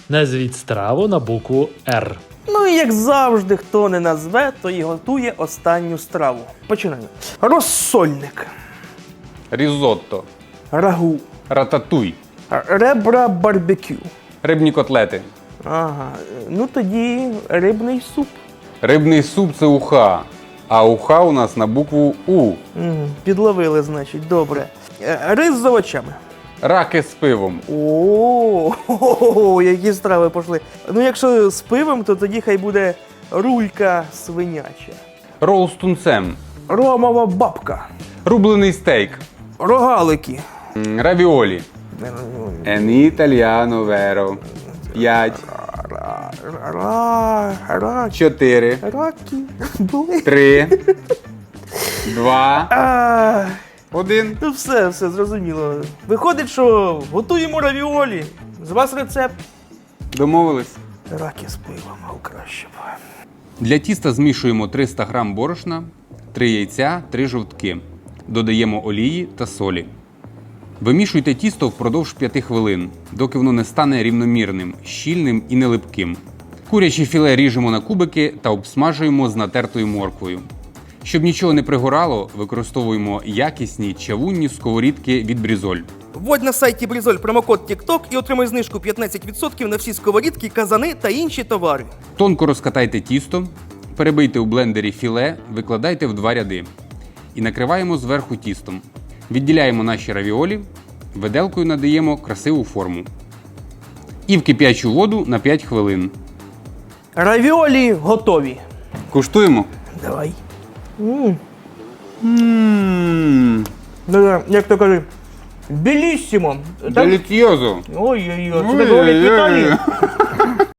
Назвіть страву на букву Р. Ну і як завжди, хто не назве, то і готує останню страву. Починаємо. Розсольник, Різотто. рагу, Рататуй. ребра барбекю. Рибні котлети. Ага, ну тоді рибний суп. Рибний суп – це уха. А уха у нас на букву У. Угу, підловили, значить, добре. Рис з овочами. Раки з пивом. О, які страви пішли. Ну, якщо з пивом, то тоді хай буде рулька свиняча. Рол з тунцем. Ромова бабка. Рублений стейк. Рогалики. Равіолі. En italiano vero. 5, Раки. 4, Раки. Були. 3, 2, А, 1. ну все, зрозуміло. Виходить, що готуємо равіолі. З вас рецепт. Домовились? Раки з пивом, а краще б. Для тіста змішуємо 300 г борошна, 3 яйця, 3 жовтки. Додаємо олії та солі. Вимішуйте тісто впродовж 5 хвилин, доки воно не стане рівномірним, щільним і не липким. Куряче філе ріжемо на кубики та обсмажуємо з натертою морквою. Щоб нічого не пригорало, використовуємо якісні чавунні сковорідки від Брізоль. Вводь на сайті Брізоль промокод TikTok і отримай знижку 15% на всі сковорідки, казани та інші товари. Тонко розкатайте тісто, перебийте у блендері філе, викладайте в 2 ряди. І накриваємо зверху тістом. Відділяємо наші равіолі, виделкою надаємо красиву форму. І в кип'ячу воду на 5 хвилин. Равіолі готові. Куштуємо. Давай. Як то кажуть, беліссимо. Деліціозо. Ой-ой-ой, це так говорять в Італії.